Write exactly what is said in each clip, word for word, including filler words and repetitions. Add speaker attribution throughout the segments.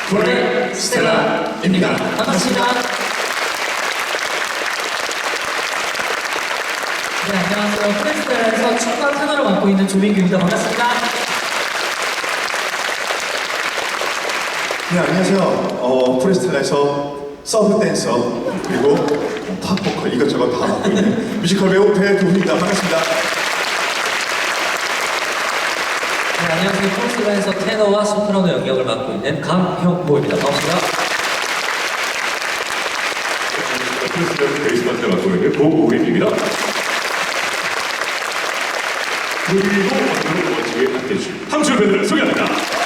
Speaker 1: 볼의 스텔라입니다. 반갑습니다. 네, 안녕하세요. 프레스텔라에서 춤과 테너를 맡고 있는 조민규입니다. 반갑습니다.
Speaker 2: 네, 안녕하세요. 어, 프레스텔라에서 서브 댄서 그리고 팝 보컬 이것저것 다 맡고 있는 뮤지컬 배우 배두훈입니다. 반갑습니다.
Speaker 1: 네, 안녕하세요. 프레스텔라에서 테너와 소프라노 영역을 맡고 있는 강형보입니다. 반갑습니다.
Speaker 3: 프레스텔라 베이스 파트를 맡고 있는 고우림입니다. 그리고 오늘 멋지게 함께해주신 함출 밴드를 소개합니다.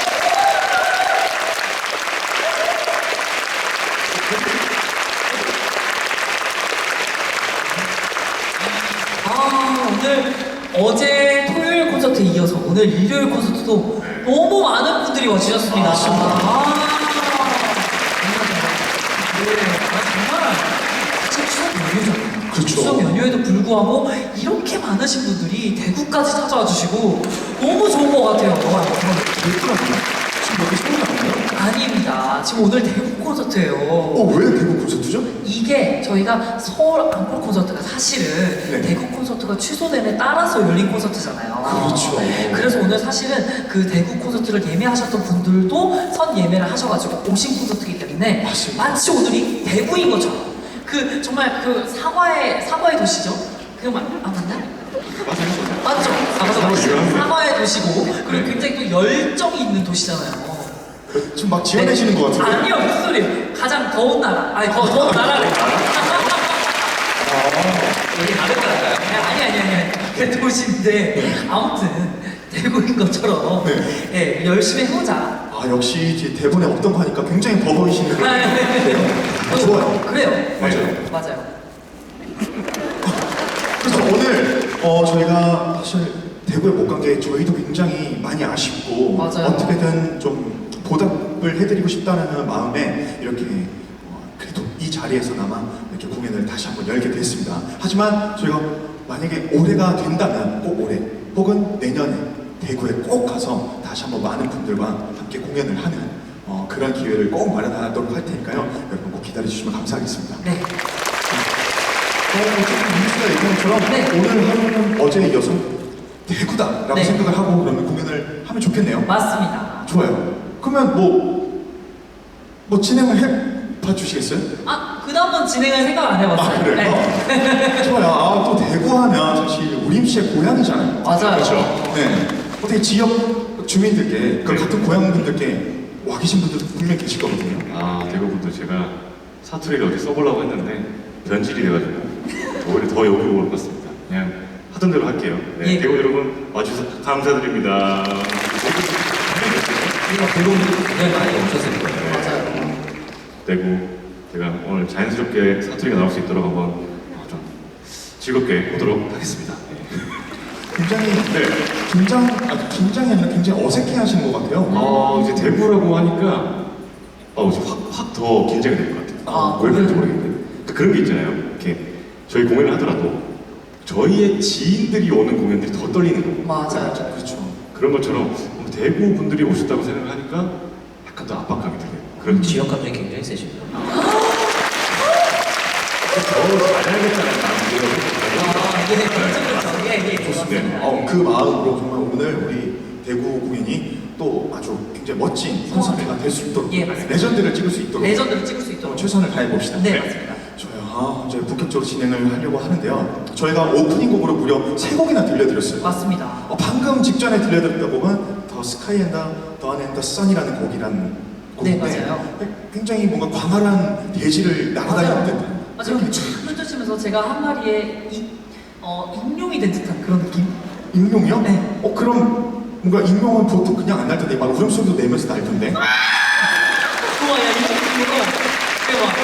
Speaker 1: 아, 오늘 어제 토요일 콘서트에 이어서 오늘 일요일 콘서트도 너무 많은 분들이 와주셨습니다. 아, 아, 네, 아, 정말 사실 추석 연휴잖아요.
Speaker 2: 그렇죠.
Speaker 1: 추석 연휴에도 불구하고 이렇게 많으신 분들이 대구까지 찾아와 주시고 너무 좋은 것 같아요.
Speaker 2: 예쁘라고요? 지금 여기 소리 나나요?
Speaker 1: 아닙니다. 지금 오늘 대구 콘서트예요.
Speaker 2: 어, 왜 대구 콘서트죠?
Speaker 1: 이게 저희가 서울 앙콜 콘서트가 사실은
Speaker 2: 네.
Speaker 1: 대구 콘서트가 취소됨에 따라서 열린 콘서트잖아요.
Speaker 2: 그렇죠.
Speaker 1: 그래서 오늘 사실은 그 대구 콘서트를 예매하셨던 분들도 선 예매를 하셔가지고 오신 콘서트이기 때문에
Speaker 2: 맞습니다.
Speaker 1: 마치 오늘이 대구인 것처럼 그 정말 그 사과의 사과의 도시죠. 그거 맞, 아 맞나? 맞죠. 사과의 도시. 사과의 도시고 그리고 굉장히 또 열정이 있는 도시잖아요.
Speaker 2: 지금 막 지어내시는 것 같은데.
Speaker 1: 아니요, 무슨 소리? 가장 더운 나라. 아니, 더 더운 나라래. 여기 다른 나라인가요? 아니, 아니, 아니, 아니. 그 도시인데, 아무튼, 대구인 것처럼,
Speaker 2: 네.
Speaker 1: 예, 열심히 해보자.
Speaker 2: 아, 역시 이제 대본에 없던 거 하니까 굉장히 버거이시는 거.
Speaker 1: 아, 네, 네, 네.
Speaker 2: 아, 좋아요.
Speaker 1: 그래요.
Speaker 2: 맞아요.
Speaker 1: 맞아요.
Speaker 2: 그래서 오늘 어, 저희가 사실 대구에 못 간 게 저희도 굉장히 많이 아쉽고
Speaker 1: 맞아요.
Speaker 2: 어떻게든 좀 보답을 해드리고 싶다는 마음에 이렇게 어, 그래도 이 자리에서나마 이렇게 공연을 다시 한번 열게 됐습니다. 하지만 저희가 만약에 올해가 된다면 꼭 올해 혹은 내년에 대구에 꼭 가서 다시 한번 많은 분들과 함께 공연을 하는 어, 그런 기회를 꼭 마련하도록 할 테니까요. 여러분 꼭 기다려주시면 감사하겠습니다.
Speaker 1: 네.
Speaker 2: 어, 지금 민수가 얘기한 것처럼
Speaker 1: 네.
Speaker 2: 오늘 하루는 어제에 이어서 대구다라고
Speaker 1: 네.
Speaker 2: 생각을 하고 그러면 공연을 하면 좋겠네요.
Speaker 1: 맞습니다.
Speaker 2: 좋아요. 그러면 뭐, 뭐 진행을 해봐 주시겠어요?
Speaker 1: 아, 그 다음은 진행을 생각 안 해봤어요.
Speaker 2: 아, 그래요?
Speaker 1: 네.
Speaker 2: 좋아요. 아, 또 대구 하면 사실 우림 씨의 고향이잖아요.
Speaker 1: 맞아요.
Speaker 2: 그렇죠? 네. 어떻게 지역 주민들께, 그
Speaker 3: 네.
Speaker 2: 같은 고향분들께 와 계신 분들도 분명히 계실 거거든요.
Speaker 3: 아, 대구분들 제가 사투리를 어디 써보려고 했는데 변질이 돼가지고 오히려 더 여기 올 것 같습니다. 그냥 하던 대로 할게요. 네,
Speaker 1: 예.
Speaker 3: 대구 여러분 와주셔서 감사드립니다.
Speaker 1: 우리가 배우분들 굉장히 많이 오셨을 거예요.
Speaker 3: 네.
Speaker 1: 맞아요.
Speaker 3: 대구 제가 오늘 자연스럽게 사투리가 나올 수 있도록 한번 어, 좀 즐겁게 보도록 하겠습니다. 네.
Speaker 2: 굉장히
Speaker 3: 네.
Speaker 2: 긴장, 아, 긴장이 아니라 굉장히 어색해 하시는 것 같아요.
Speaker 3: 어, 이제 대구라고 하니까 어, 이제 확, 확 더 긴장이 될 것 같아요.
Speaker 1: 아,
Speaker 3: 왜 그런지 모르겠는데. 그러니까 그런 게 있잖아요. 이렇게 저희 공연을 하더라도 저희의 지인들이 오는 공연들이 더 떨리는 거고.
Speaker 1: 맞아요.
Speaker 2: 그렇죠.
Speaker 3: 그런 것처럼 어, 대구 분들이 오셨다고 생각을 하니까 약간 더 압박감이 들어요. 그런
Speaker 1: 지역 감정이 굉장히 세십니다.
Speaker 3: 더 잘해야겠다는 마음이
Speaker 1: 아, 예, 그렇죠, 그렇죠. 예, 예, 좋습니다.
Speaker 2: 어, 그 마음으로 정말 오늘 우리 대구 공연이 또 아주 굉장히 멋진 콘서트가 될 수 있도록
Speaker 1: 예, 맞습니다.
Speaker 2: 레전드를 찍을 수 있도록
Speaker 1: 레전드를 찍을 수
Speaker 2: 어,
Speaker 1: 있도록.
Speaker 2: 최선을 다해봅시다.
Speaker 1: 네, 맞습니다.
Speaker 2: 저요, 아, 이제 본격적으로 진행을 하려고 하는데요. 저희가 오프닝 곡으로 무려 세 곡이나 들려드렸어요.
Speaker 1: 맞습니다.
Speaker 2: 어, 방금 직전에 들려드렸던 곡은 더 스카이 앤 더 던 앤 더 선이라는 곡이라는 곡인데
Speaker 1: 네, 맞아요.
Speaker 2: 굉장히 뭔가 광활한 대지를 날아다니는 듯한
Speaker 1: 맞아요.
Speaker 2: 그런 느낌.
Speaker 1: 펼쳐지면서 제가 한 마리의 이, 어, 익룡이 된 듯한 그런 느낌?
Speaker 2: 익룡이요?
Speaker 1: 네.
Speaker 2: 어 그럼 뭔가 익룡은 보통 그냥 안 날 텐데 막 울음소리도 내면서 날 텐데.
Speaker 1: 우와, 야, 이 느낌으로 대박.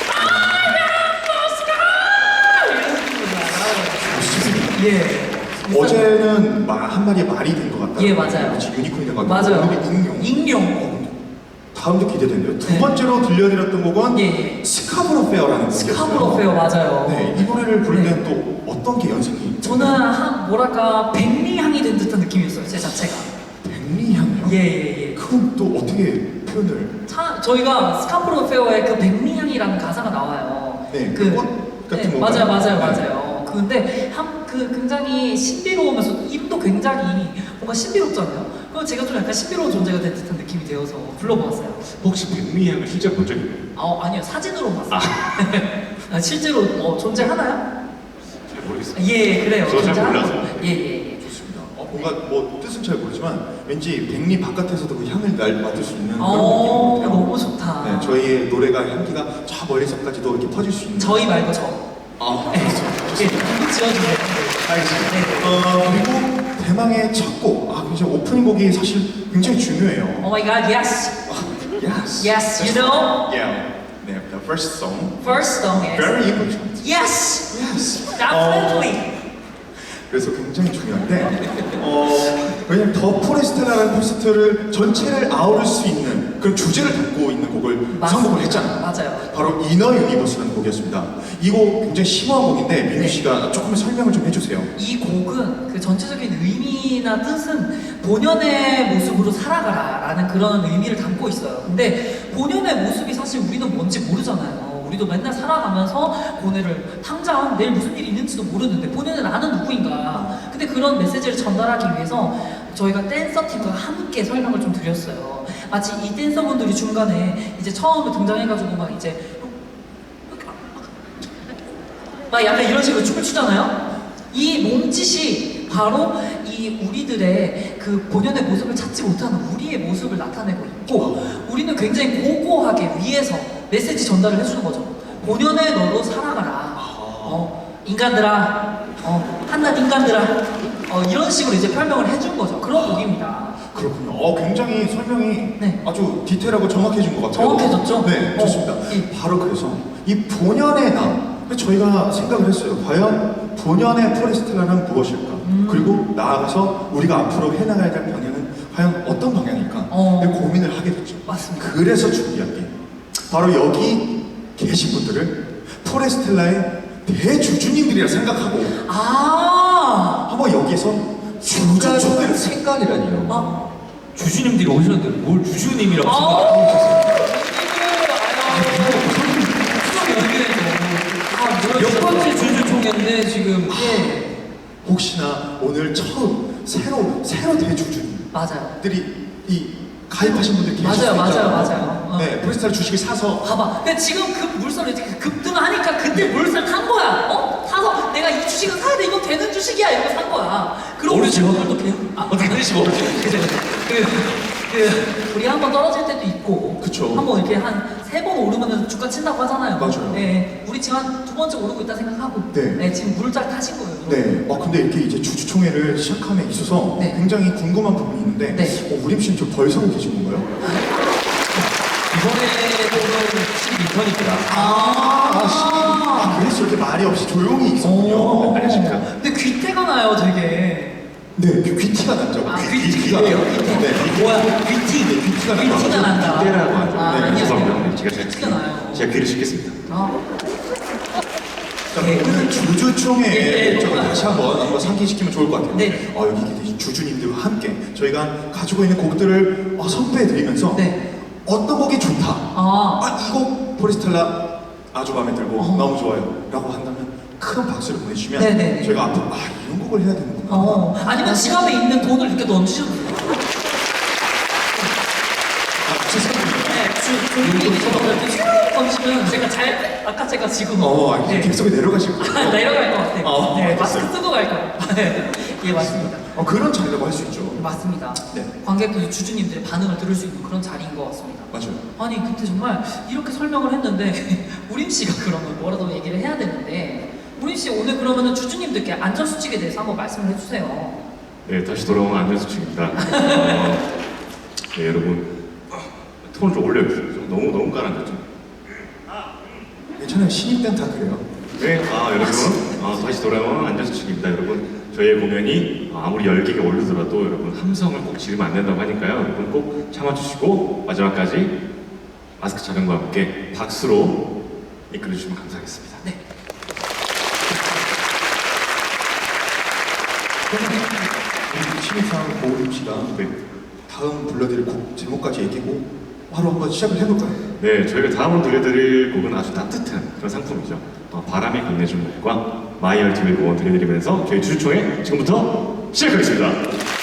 Speaker 1: 예.
Speaker 2: 어제는 말, 한 마리의 말이 된 것 같다.
Speaker 1: 예, 맞아요.
Speaker 2: 그렇지, 유니콘이 된 것 같다.
Speaker 1: 맞아요.
Speaker 2: 오늘은 익룡.
Speaker 1: 익룡.
Speaker 2: 다음도 기대되는데요. 두
Speaker 1: 네.
Speaker 2: 번째로 들려드렸던 곡은
Speaker 1: 예, 예.
Speaker 2: 스카브로 페어라는 곡이었어요.
Speaker 1: 스카브로 페어 맞아요.
Speaker 2: 네, 이 노래를 부를
Speaker 1: 네.
Speaker 2: 때는 또 어떤 게 연상이?
Speaker 1: 저는 한 뭐랄까 백리향이 된 듯한 느낌이었어요. 제 자체가.
Speaker 2: 백리향이요?
Speaker 1: 예, 예, 예.
Speaker 2: 그건 또 어떻게 표현을?
Speaker 1: 차 차, 저희가 스카프로 페어에 그 백미향이라는 가사가 나와요.
Speaker 2: 네, 그 꽃 같은
Speaker 1: 네,
Speaker 2: 건가요?
Speaker 1: 맞아요, 맞아요,
Speaker 2: 네.
Speaker 1: 맞아요. 근데 한, 그 굉장히 신비로우면서 이름도 굉장히 뭔가 신비롭잖아요. 그럼 제가 좀 약간 신비로운 존재가 된 듯한 느낌이 되어서 불러보았어요.
Speaker 3: 혹시 백미향을 실제 본 적 있나요?
Speaker 1: 아, 아니요, 사진으로 봤어요. 아, 실제로 어, 존재하나요?
Speaker 3: 잘 모르겠어요.
Speaker 1: 예, 그래요.
Speaker 3: 저잘
Speaker 1: 존재하나요?
Speaker 3: 몰라서.
Speaker 1: 예, 예, 예.
Speaker 2: 좋습니다. 어, 뭔가 뭐 뜻은 잘 모르지만 왠지 백리 바깥에서도 그 향을 날 맡을 수 있는 그런
Speaker 1: 어,
Speaker 2: 느낌이 같아요.
Speaker 1: 너무 좋다.
Speaker 2: 네, 저희의 노래가 향기가 저 멀리서까지도 이렇게 퍼질 수 있는.
Speaker 1: 저희 말고 저.
Speaker 2: 아,
Speaker 1: 네,
Speaker 2: 그렇죠.
Speaker 1: 예, 이거 지어주세요.
Speaker 2: 알겠습니다.
Speaker 1: 네, 네.
Speaker 2: 어, 그리고 대망의 첫 곡. 아, 굉장히 오프닝 곡이 사실 굉장히 중요해요.
Speaker 1: Oh my god, yes.
Speaker 2: Yes.
Speaker 1: Yes, you know?
Speaker 2: Yeah. 네, the first song.
Speaker 1: First song is.
Speaker 2: Very important.
Speaker 1: Yes!
Speaker 2: Yes.
Speaker 1: Definitely!
Speaker 2: 그래서 굉장히 중요한데, 어, 왜냐면 더 포레스텔라라는 콘서트를 전체를 아우를 수 있는 그런 주제를 담고 있는 곡을
Speaker 1: 맞습니다.
Speaker 2: 선곡을 했잖아요.
Speaker 1: 맞아요.
Speaker 2: 바로 이너 유니버스라는 곡이었습니다. 이 곡 굉장히 심오한 곡인데 민규
Speaker 1: 네.
Speaker 2: 씨가 조금 설명을 좀 해주세요.
Speaker 1: 이 곡은 그 전체적인 의미나 뜻은 본연의 모습으로 살아가라 라는 그런 의미를 담고 있어요. 근데 본연의 모습이 사실 우리는 뭔지 모르잖아요. 우리도 맨날 살아가면서 오늘을 당장 내일 무슨 일이 있는지도 모르는데 본연의 나는 누구인가. 근데 그런 메시지를 전달하기 위해서 저희가 댄서팀과 함께 설명을 좀 드렸어요. 마치 이 댄서분들이 중간에 이제 처음에 등장해가지고 막 이제 막 약간 이런 식으로 춤을 추잖아요. 이 몸짓이 바로 이 우리들의 그 본연의 모습을 찾지 못하는 우리의 모습을 나타내고 있고, 우리는 굉장히 고고하게 위에서 메시지 전달을 해주는 거죠. 본연의 너로 살아가라. 어, 인간들아, 어, 한낱 인간들아. 어, 이런 식으로 이제 설명을 해준 거죠. 그런 곡입니다.
Speaker 2: 그렇군요. 어, 굉장히 설명이
Speaker 1: 네.
Speaker 2: 아주 디테일하고 정확해진 것 같아요.
Speaker 1: 정확해졌죠?
Speaker 2: 네,
Speaker 1: 어,
Speaker 2: 좋습니다.
Speaker 1: 예.
Speaker 2: 바로 그래서 이 본연의 나, 저희가 생각을 했어요. 과연 본연의 포레스텔라는 무엇일까?
Speaker 1: 음.
Speaker 2: 그리고 나아가서 우리가 앞으로 해나가야 될 방향은 과연 어떤 방향일까?
Speaker 1: 어.
Speaker 2: 고민을 하게 됐죠.
Speaker 1: 맞습니다.
Speaker 2: 그래서 준비한 게 바로 여기 계신 분들을 포레스텔라의 대주주님들이라 생각하고
Speaker 1: 아,
Speaker 2: 한번 여기에서 주주초대를
Speaker 4: 생각이라니요.
Speaker 1: 아,
Speaker 4: 주주님들이 오셨는데 뭘 주주님이라고
Speaker 1: 아,
Speaker 4: 생각하고 계셨어요? 몇 번째 주주총회인데 지금
Speaker 1: 예,
Speaker 2: 혹시나 오늘 처음 새로 새로 대주주님들이
Speaker 1: 맞아요.
Speaker 2: 이 가입하신 분들 계실
Speaker 1: 맞아요,
Speaker 2: 수
Speaker 1: 맞아요,
Speaker 2: 있잖아요.
Speaker 1: 맞아요. 어.
Speaker 2: 네, 포레스텔라 주식을 사서
Speaker 1: 봐봐. 근데 지금 급 물살을 이렇게 급등하니까 그때 물살 탄 거야. 어? 사서 내가 이 주식은 사야 돼. 이거 되는 주식이야. 이거 산 거야. 그럼
Speaker 4: 모르죠.
Speaker 1: 우리 또 배우. 아, 어떻게 되는지 모르죠. 그죠? 그, 그, 우리 한 번 떨어질 때도 있고.
Speaker 2: 그쵸.
Speaker 1: 한 번 이렇게 한 세 번 오르면 주가 친다고 하잖아요.
Speaker 2: 맞아요.
Speaker 1: 네. 우리 지금 한 두 번째 오르고 있다 생각하고.
Speaker 2: 네.
Speaker 1: 지금 물살 타신 거예요.
Speaker 2: 네, 어 근데 이렇게 이제 주주총회를 시작함에 있어서
Speaker 1: 네.
Speaker 2: 굉장히 궁금한 부분이 있는데
Speaker 1: 네.
Speaker 2: 어, 우림 씨는 좀 덜 서고 계신 건가요?
Speaker 4: 이번에는 십이 편입니다.
Speaker 2: 아, 아, 시- 아 그래서 이렇게 말이 없이 조용히 있었군요.
Speaker 1: 오.
Speaker 2: 안녕하십니까?
Speaker 1: 근데 귀태가 나요, 되게.
Speaker 2: 네, 귀, 귀티가 났죠.
Speaker 1: 아,
Speaker 2: 귀,
Speaker 1: 귀티.
Speaker 2: 귀티가
Speaker 1: 귀예요?
Speaker 2: 났죠.
Speaker 1: 귀티.
Speaker 2: 네,
Speaker 1: 뭐야?
Speaker 2: 귀티, 네, 귀티가
Speaker 1: 귀티가
Speaker 2: 났죠.
Speaker 1: 난다.
Speaker 3: 기대라고 하죠.
Speaker 1: 아,
Speaker 2: 네,
Speaker 1: 아니야.
Speaker 3: 죄송합니다. 제가 제
Speaker 1: 티가 나요.
Speaker 3: 제가 귀를 씻겠습니다.
Speaker 1: 아.
Speaker 2: 자, 오늘 주주총회의
Speaker 1: 네, 네.
Speaker 2: 목적을 다시 한번 한번 상기시키면 좋을 것 같아요.
Speaker 1: 네.
Speaker 2: 어, 여기 계신 주주님들과 함께 저희가 가지고 있는 곡들을 어, 선보여드리면서
Speaker 1: 네.
Speaker 2: 어떤 곡이 좋다.
Speaker 1: 아.
Speaker 2: 아, 이 곡 포레스텔라 아주 마음에 들고
Speaker 1: 어.
Speaker 2: 너무 좋아요. 라고 한다면 큰 박수를 보내주시면
Speaker 1: 네네.
Speaker 2: 저희가 앞으로 아, 이런 곡을 해야 되는구나.
Speaker 1: 어, 아니면 지갑에 있는 돈을 이렇게 넣어주셔도 돼요.
Speaker 2: 아, 죄송합니다.
Speaker 1: 네, 주, 주님이 저거 이렇게 슉 던지면 제가 잘, 아까 제가 지금.
Speaker 2: 어, 아,
Speaker 1: 네.
Speaker 2: 객석에 내려가실 거예요.
Speaker 1: 내려갈 것 같아요.
Speaker 2: 어,
Speaker 1: 네,
Speaker 2: 알겠어요.
Speaker 1: 마스크 쓰고 갈 거예요. 네, 예, 맞습니다.
Speaker 2: 어, 그런 자리라고 할 수 있죠.
Speaker 1: 맞습니다.
Speaker 2: 네.
Speaker 1: 관객들, 주주님들의 반응을 들을 수 있는 그런 자리인 것 같습니다.
Speaker 2: 맞아요.
Speaker 1: 아니, 그때 정말 이렇게 설명을 했는데, 우림 씨가 그러면 뭐라도 얘기를 해야 되는데, 우림 씨 오늘 그러면은 주주님들께 안전수칙에 대해서 한번 말씀을 해주세요.
Speaker 3: 네, 다시 돌아온 안전수칙입니다. 어, 네, 여러분 톤을 좀 올려주세요. 좀 너무 너무 가라앉았죠.
Speaker 2: 괜찮아요. 신입 때는 다 그래요.
Speaker 3: 네, 아 여러분, 아, 다시 돌아온 안전수칙입니다. 여러분, 저희의 공연이 아무리 열기가 오르더라도 여러분 함성을 꼭 지르면 안 된다고 하니까요. 여러분 꼭 참아주시고 마지막까지 마스크 착용과 함께 박수로 이끌어주시면 감사하겠습니다.
Speaker 1: 네.
Speaker 2: 우리 신입상 고우림 씨가
Speaker 3: 네.
Speaker 2: 다음 불러드릴 곡 제목까지 얘기고 바로 한번 시작을 해볼까요?
Speaker 3: 네, 저희가 다음으로 들려드릴 곡은 아주 따뜻한 그런 상품이죠. 어, 바람이 건네준 곡과 마이얼티를 응원 들려드리면서 저희 주주총회 지금부터 시작하겠습니다.